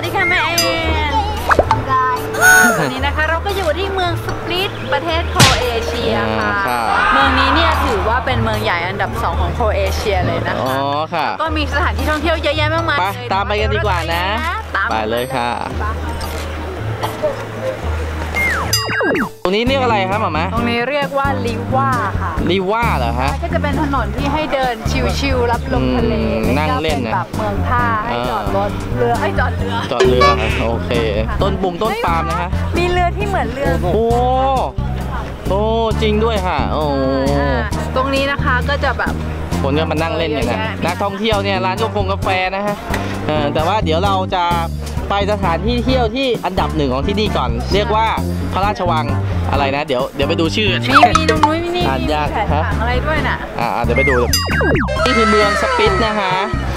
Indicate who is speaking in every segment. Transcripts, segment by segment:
Speaker 1: ดีค่ะแม่เอ็นวันนี้นะคะเราก็อยู่ที่เมืองสปลิตประเทศโครเอเชียค่ะเมืองนี้เนี่ยถือว่าเป็นเมืองใหญ่อันดับ2ของโครเอเชียเลยนะคะอ๋อค่ะก็มีสถานที่ท่องเที่ยวเยอะแยะมากมายเลยตามไปกันดีกว่านะไปเลยค่ะตรงนี้เรียกอะไรครับหม่าตรงนี้เรียกว่าลิว่าค่ะลิว่าเหรอฮะก็จะเป็นถนนที่ให้เดินชิลๆรับลมทะเลนั่งเล่นแบบเมืองท่าให้จอดรถเรือให้จอดเรือโอเคต้นปุ่มต้นปาล์มนะฮะมีเรือที่เหมือนเรือโอ้จริงด้วยค่ะโอ้ตรงนี้นะคะก็จะแบบคนก็มานั่งเล่นอย่างนั้นนักท่องเที่ยวเนี่ยร้านกาแฟนะฮะแต่ว่าเดี๋ยวเราจะไปสถานที่เที่ยวที่อันดับ1ของที่นี่ก่อนเรียกว่าพระราชวังอะไรนะเดี๋ยวไปดูชื่อมีตรงนู้นมีแผนผังอะไรด้วยน่ะเดี๋ยวไปดูนี่คือเมืองสปิตนะฮะ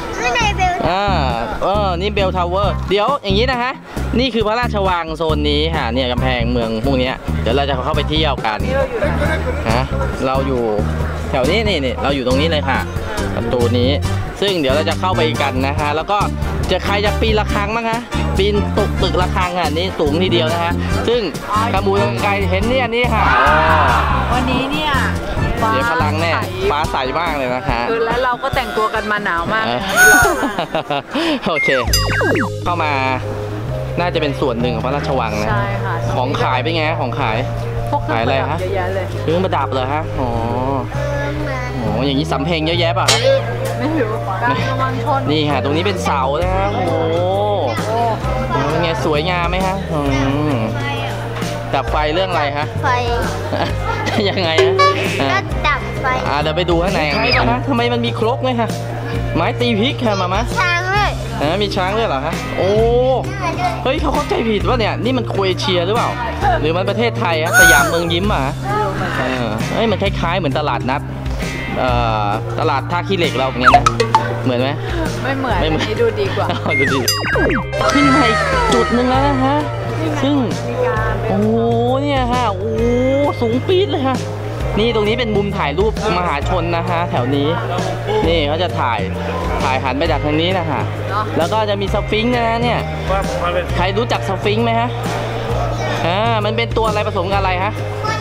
Speaker 1: นี่เบลทาวเวอร์เดี๋ยวอย่างนี้นะฮะนี่คือพระราชวังโซนนี้ค่ะเนี่ยกำแพงเมืองพวกนี้เดี๋ยวเราจะเข้าไปเที่ยวกันเราอยู่แถวนี้นี่เราอยู่ตรงนี้เลยค่ะประตูนี้ซึ่งเดี๋ยวเราจะเข้าไปกันนะฮะแล้วก็ใครจะปีนระฆังมั้งคะปีนตึกระฆังอ่ะนี่สูงทีเดียวนะฮะซึ่งกระมูลไกลเห็นเนี่ยนี่ค่ะวันนี้เนี่ยเดี๋ยวพลังแน่ฟ้าใสมากเลยนะคะแล้วเราก็แต่งตัวกันมาหนาวมากโอเคเข้ามาน่าจะเป็นส่วนหนึ่งของพระราชวังนะใช่ค่ะของขายเป็นไงของขายขายอะไรฮะเครื่องประดับเหรอฮะอ๋ออย่างนี้สำเพ็งเยอะแยะป่ะไม่รู้นี่ค่ะตรงนี้เป็นเสานะฮะโอ้ไงสวยงามไหมฮะดับไฟเรื่องอะไรฮะไฟยังไงฮะก็ดับไฟเดี๋ยวไปดูข้างในกันนะทำไมมันมีครกไหมฮะไม้ตีพริกค่ะมาช้างเลยมีช้างด้วยเหรอฮะโอ้เฮ้ยเขาเข้าใจผิดว่าเนี่ยนี่มันโครเอเชียหรือเปล่าหรือมันประเทศไทยฮะสยามเมืองยิ้มอ่ะเฮ้ยมันคล้ายๆเหมือนตลาดนัดตลาดท่าขี้เหล็กเราอย่างเงี้ยนะเหมือนไหมไม่เหมือนนี่ดูดีกว่าดูดีขึ้นไปจุดหนึ่งแล้วนะฮะซึ่งโอ้เนี่ยฮะโอ้สูงปี๊ดเลยฮะนี่ตรงนี้เป็นมุมถ่ายรูปมหาชนนะฮะแถวนี้นี่เขาจะถ่ายหันไปจากทางนี้นะฮะแล้วก็จะมีสฟิงค์นะเนี่ยใครรู้จักสฟิงค์ไหมฮะมันเป็นตัวอะไรผสมกับอะไรฮะ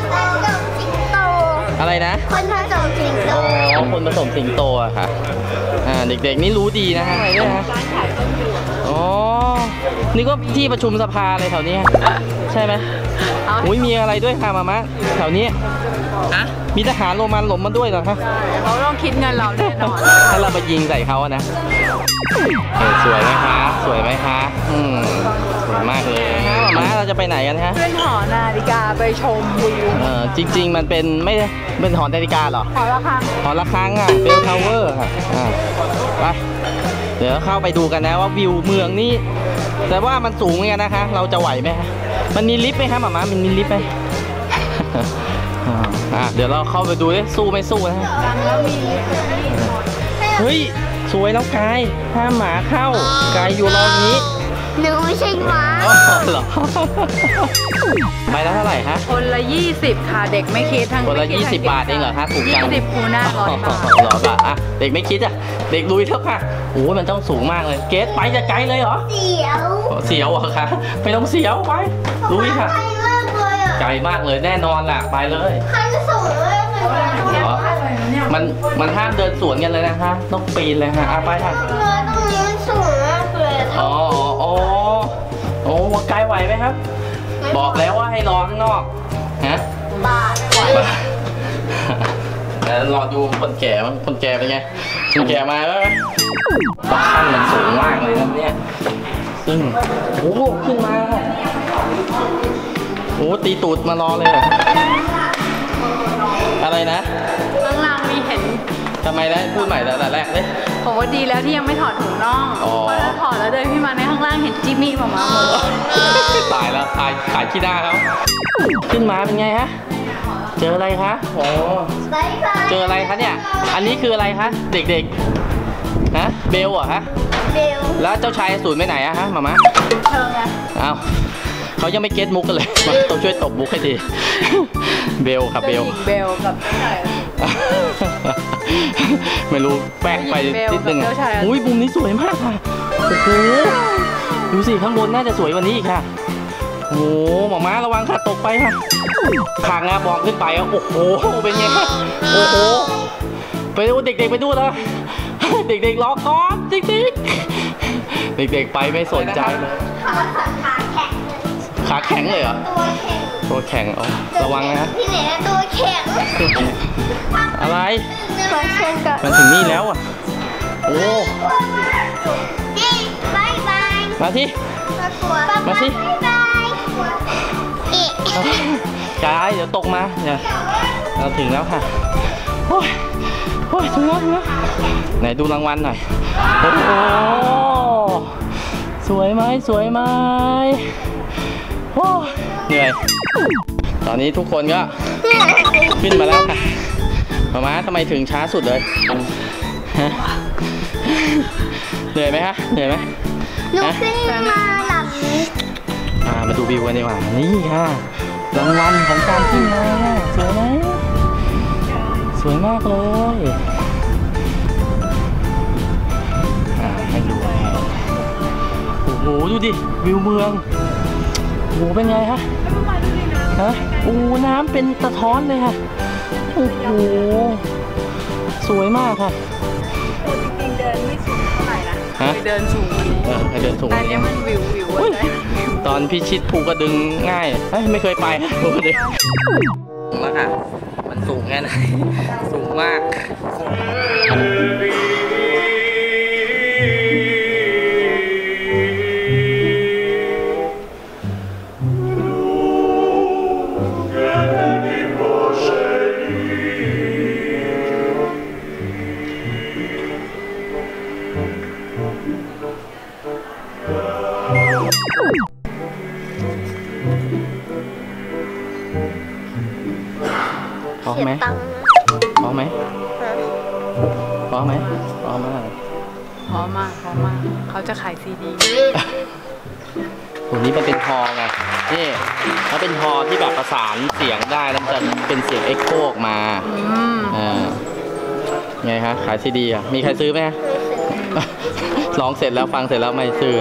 Speaker 1: อะไรนะคนผสมสิงโตคนผสมสิงโตอะค่ะเด็กๆนี่รู้ดีนะฮะอะไรด้วยฮะอ๋อนี่ก็ที่ประชุมสภาอะไรแถวนี้ใช่ไหมอุ้ยมีอะไรด้วยค่ะมามะแถวนี้มีทหารโรมันหลบมาด้วยเหรอคะเขาต้องคิดเงินเราแน่นอนถ้าเราไปยิงใส่เขาอะนะสวยไหมคะสวยไหมคะสวยมากเลยมาเราจะไปไหนกันฮะขึ้นหอนาฬิกาไปชมวิวจริงๆมันเป็นไม่เป็นหอนาฬิกาหรอหอระฆังอ่ะเบลทาวเวอร์ค่ะไปเดี๋ยวเข้าไปดูกันนะว่าวิวเมืองนี่แต่ว่ามันสูงเหมือนกันนะคะเราจะไหวไหมฮะมันมีลิฟต์ไหมคะหม่ามันมีลิฟต์ไหมเดี๋ยวเราเข้าไปดูดิสู้ไม่สู้นะเฮ้ยสวยแล้วกายห้ามหมาเข้ากายอยู่รอนี้หนูไม่ใช่หมาเหรอใบละเท่าไหร่ฮะคนละ20ค่ะเด็กไม่คิดทั้งคนละ20 บาทเองเหรอฮะถูกจัง20คูณ100 บาท100 บาทเด็กไม่คิดเด็กลุยเท่าค่ะโอ้มันต้องสูงมากเลยเกสไปจะไกลเลยเหรอเสียวเหรอคะไม่ต้องเสียวไปลุยค่ะไกลมากเลยแน่นอนแหละไปเลยมันห้ามเดินสวนกันเลยนะฮะต้องปีนเลยฮะไปค่ะตรงนี้มันสูงมากเลยโอ้ไกลไหวไหมครับบอกแล้วว่าให้รอข้างนอกฮะบ้ารอดูคนแก่มั้งคนแก่เป็นไงคนแก่มาแล้วขั้นมันสูงมากเลยนะเนี่ยซึ่งโอ้ขึ้นมาโอ้ตีตูดมารอเลยอะไรนะข้างล่างมีเห็นทำไมนะพูดใหม่แต่แรกเลยผมว่าดีแล้วที่ยังไม่ถอดถุงน่องเพราะถ้าถอดแล้วเดินขึ้นมาในข้างล่างเห็นจิมมี่ออกมาหมดตายแล้วขายขี้หน้าเขาขึ้นมาเป็นไงฮะเจออะไรคะโอ้เจออะไรคะเนี่ยอันนี้คืออะไรคะเด็กๆฮะเบลเหรอฮะเบลแล้วเจ้าชายสูนไปไหนอะฮะมาเชิญไงอ้าวเขายังไม่เก็ตมุกกันเลยต้องช่วยตบมุกให้ทีเบลครับเบลกับเจ้าชายไม่รู้แปลกไปนิดนึงอุ้ยมุมนี้สวยมากค่ะโอ้โหดูสิข้างบนน่าจะสวยกว่านี้อีกค่ะโอ้โหหมอม้าระวังค่ะตกไปค่ะทางนะมองขึ้นไปโอ้โหเป็นไงคะโอ้โหไปดูเด็กๆไปดูแล้วเด็กๆรอก่อนเด็กๆไปไม่สนใจเลยขาแข็งเลยเหรอตัวแข็งอ๋อระวังนะ
Speaker 2: ที่ไหนตัวแข็ง
Speaker 1: อะไร
Speaker 2: มัน
Speaker 1: ถึงนี่แล้วอ่ะโอ้
Speaker 2: บายบาย
Speaker 1: มาที่มาที่กายเดี๋ยวตกมาเนี่ยเราถึงแล้วค่ะโอ้ยถึงแล้วไหนดูรางวัลหน่อยโอ้โหสวยไหมโอ้เหนื่อยตอนนี้ทุกคนก็ขึ้นมาแล้วค่ะมาทำไมถึงช้าสุดเลยเหนื่อยไหมคะเหนื่อยไหม
Speaker 2: หนูขึ้นมาหลัง
Speaker 1: มาดูวิวกันดีกว่านี่ค่ะรางวัลของการขึ้นมาสวยไหมสวยมากเลยให้ดูโอ้โหดูดิวิวเมืองโอ้โหเป็นไงฮะโอ้น้ำเป็นสะท้อนเลยค่ะโอ้โหสวยมากค่ะ
Speaker 3: จริงๆเดินไม่สูงเท่าไหร่นะเดินสูง
Speaker 1: ให้เดินสูง
Speaker 3: แต่เนี้ยมันวิว
Speaker 1: ตอนพิชิตภูกระดึงง่ายไม่เคยไปภูกระดึงแล้วค่ะมันสูงแค่ไหนสูงมากพร้อมไหมพร้อมไหมพร้อมไหมพร้อมมาก
Speaker 3: เขาจะขายซีดี
Speaker 1: ตัวนี้มันเป็นฮอไงนี่ถ้าเป็นฮอที่แบบประสานเสียงได้แล้วจะเป็นเสียงเอ็กโคออกมาไงฮะขายซีดีอ่ะมีใครซื้อไหมร้องเสร็จแล้วฟังเสร็จแล้วไม่ซื้อ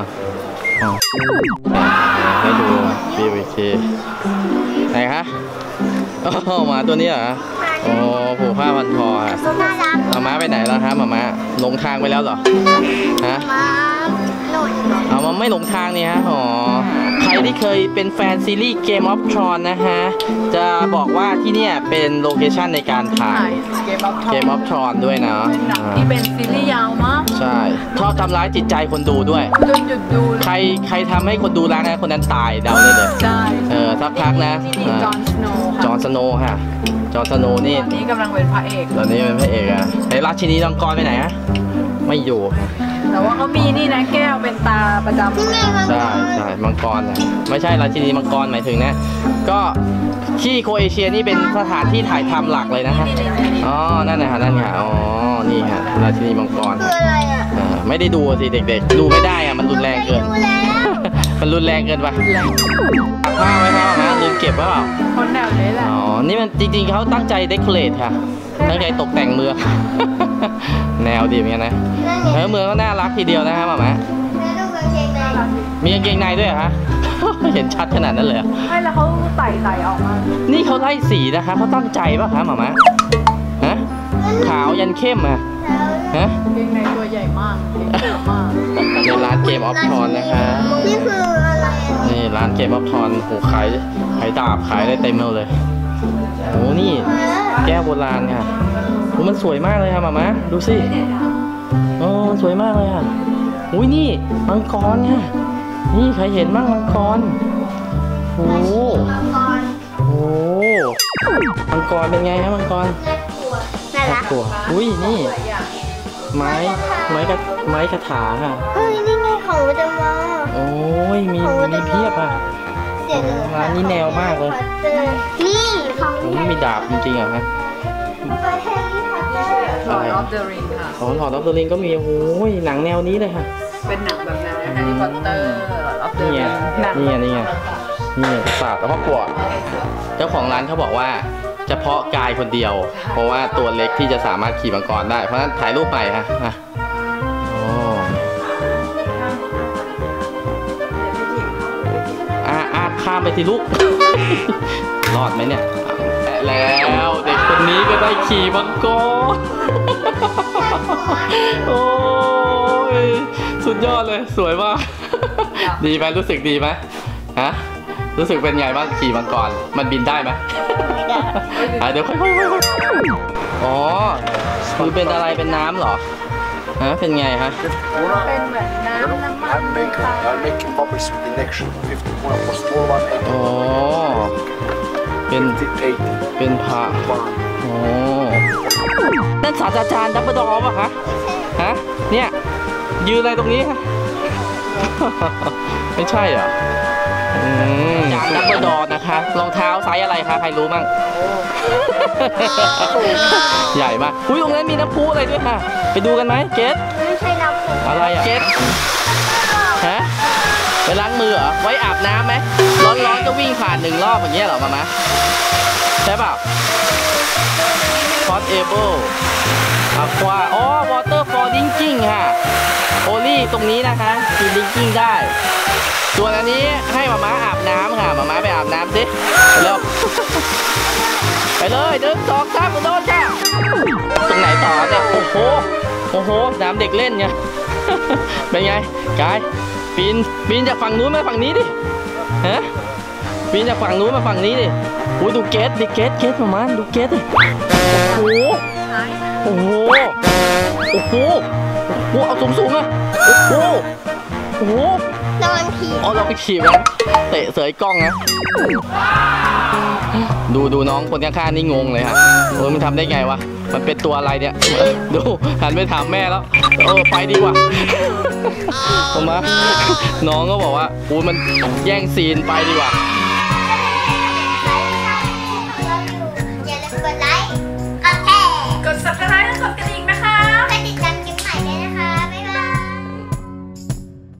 Speaker 1: ให้ดูวิวอีกทีไหนคะมาตัวนี้เหรอโอ้ผูกผ้าพันคอค่ะม้าไปไหนแล้วครับม้าหลงทางไปแล้วเหรอฮะมาไม่หลงทางนี่ฮะอ๋อใครที่เคยเป็นแฟนซีรีส์ Game of Thrones นะฮะจะบอกว่าที่เนี่ยเป็นโลเคชั่นในการถ่าย Game of Thrones ด้วยนะ
Speaker 3: ที่เป็นซีรีส์ยาวมาก
Speaker 1: ใช่ชอบทำร้ายจิตใจคนดูด้วย
Speaker 3: จนหยุดดู
Speaker 1: ใครทำให้คนดูร้ายนะคนนั้นตายเดาเลย
Speaker 3: ใช่
Speaker 1: สักพักนะจอห์นสโนว์ค่ะจอห์นสโนว์นี่
Speaker 3: กำลังเป็นพระเอก
Speaker 1: ตอนนี้เป็นพระเอกอะไอ้ราชินีมังกรไปไหนฮะไม่อยู่
Speaker 3: แต่ว่าเขามีนี่นะแก้วเป็นตาประจำ
Speaker 1: ใช่มังกรนะไม่ใช่ราชินีมังกรหมายถึงนะก็ที่โครเอเชียนี่เป็นสถานที่ถ่ายทำหลักเลยนะฮะอ๋อนั่นนะฮะนั่นค่ะอ๋อนี่ค่ะราชินีมังกร
Speaker 2: คืออะไรอ่ะ
Speaker 1: ไม่ได้ดูสิเด็กๆดูไม่ได้อะมันรุนแรงเกินมันรุนแรงเกินไปผ้าไว้ผ้านะลืมเก็บไว้เปล่า
Speaker 3: คนแนวนี้แหละ
Speaker 1: อ๋อนี่มันจริงๆเขาตั้งใจเดคอเรทค่ะตั้งใจตกแต่งเมืองแนวดีเหมือนกันนะเมืองก็น่ารักทีเดียวนะครับหมามีกางเกงในด้วยเหรอฮะเห็นชัดขนาดนั้นเลย
Speaker 3: ไม่แล้วเขาใส่ออกมา
Speaker 1: นี่เขาไล่สีนะคะเขาตั้งใจป่ะคะหมาฮะขาวยันเข้มอ่ะ
Speaker 3: ฮะกางเกงในตัวใหญ่มาก
Speaker 1: ในร้านเกมออฟทอนนะคะ
Speaker 2: นี่คืออะไร
Speaker 1: นี่ร้านเกมออฟทอนโอ้ขายดาบขายได้เต็มเลยโอ้นี่แก้วโบราณค่ะโอ้มันสวยมากเลยค่ะหมาดูสิโอ้สวยมากเลยค่ะอุ้ยนี่มังกรค่ะนี่ใครเห็นบ้างมังกรโอ้มังกรเป็นไงฮะมังกร
Speaker 2: น่ารัก
Speaker 1: อุ้ยนี่ไม้คาถาค่ะ
Speaker 2: เฮ้ยนี่ไงของจะมา
Speaker 1: โอ้ยมีเพียบอ่ะร้านนี้แนวมากเลย
Speaker 2: นี่
Speaker 1: ของมีดาบจริงๆเหรอฮะ
Speaker 3: Lord of the Ring ค่ะ
Speaker 1: Lord of the Ring ก็มีโอ้ยหนังแนวนี้เลยค่ะ
Speaker 3: เป็นหนังแบบแนวแฮร์รี่พอตเตอร์Lord of the Ring
Speaker 1: นี่ศาสตร์พ่อขวดเจ้าของร้านเขาบอกว่าเฉพาะกายคนเดียวเพราะว่าตัวเล็กที่จะสามารถขี่มังกรได้เพราะฉะนั้นถ่ายรูปใหม่ฮะโอ้ข้ามไปสิลูก รอดไหมเนี่ยแล้วเด็กคนนี้ก็ได้ขี่มังกร โอ้ยสุดยอดเลยสวยมาก ดีไหมรู้สึกดีไหมฮะรู้สึกเป็นไงบ้างขี่มังกรมันบินได้ไหม
Speaker 2: ไม่ได้
Speaker 1: เดี๋ยวค่อยๆอ๋อคือเป็นอะไรเป็นน้ำเหรอฮะเป็นไงฮะ
Speaker 3: เป็นเหมือนน้ำมัน
Speaker 4: I'm making bubbles with the next 51 for small one
Speaker 1: อ๋อเป็น
Speaker 4: 88
Speaker 1: เป็นพระโอ้นั่นศาสตราจารย์ดับเบิลดอร์ป่ะคะฮะเนี่ยยืนอะไรตรงนี้คะ ไม่ใช่เหรอจานดับเบิลดอร์นะคะรองเท้าไซส์อะไรคะใครรู้มั่ง ใหญ่มากอุ้ยตรงนั้นมีน้ำพุอะไรด้วยค่ะไปดูกันไหมเกส
Speaker 2: ไม่ใช่น้ำพุ
Speaker 1: อะไรอ่ะเกสฮะไปล้างมือเหรอไว้อาบน้ำไหมร้อนๆก็วิ่งผ่าน1 รอบอย่างเงี้ยเหรอมาใช่เปล่า Hot Able Aqua อ๋อ Water for Drinking ค่ะโอลี่ตรงนี้นะคะกิน Drinking ได้ส่วนอันนี้ให้มาม่าอาบน้ำค่ะมาม่าไปอาบน้ำสิไปเร็ว ไปเลย1 2 3โดนจ้าตรงไหนต่อเนี่ยโอ้โหน้ำเด็กเล่นไง เป็นไงกายปีนจากฝั่งนู้นมาฝั่งนี้ดิฮะปีนจากฝั่งนู้นมาฝั่งนี้ดิโอ้ยดูเกสดิเกสประมาณดูเกสดิโอ้โหเอาสูงๆอ่ะโอ้โห
Speaker 2: นอนผี
Speaker 1: อ๋อเราไปขี่มันเตะเสยกล้องนะดูน้องคนข้างๆนี่งงเลยฮะโอ้ยมันทำได้ไงวะมันเป็นตัวอะไรเนี่ยดูหันไปถามแม่แล้วไปดีกว่าผมมาน้องก็บอกว่าโอ้ยมันแย่งซีนไปดีกว่า
Speaker 2: อย่าลืมกดไล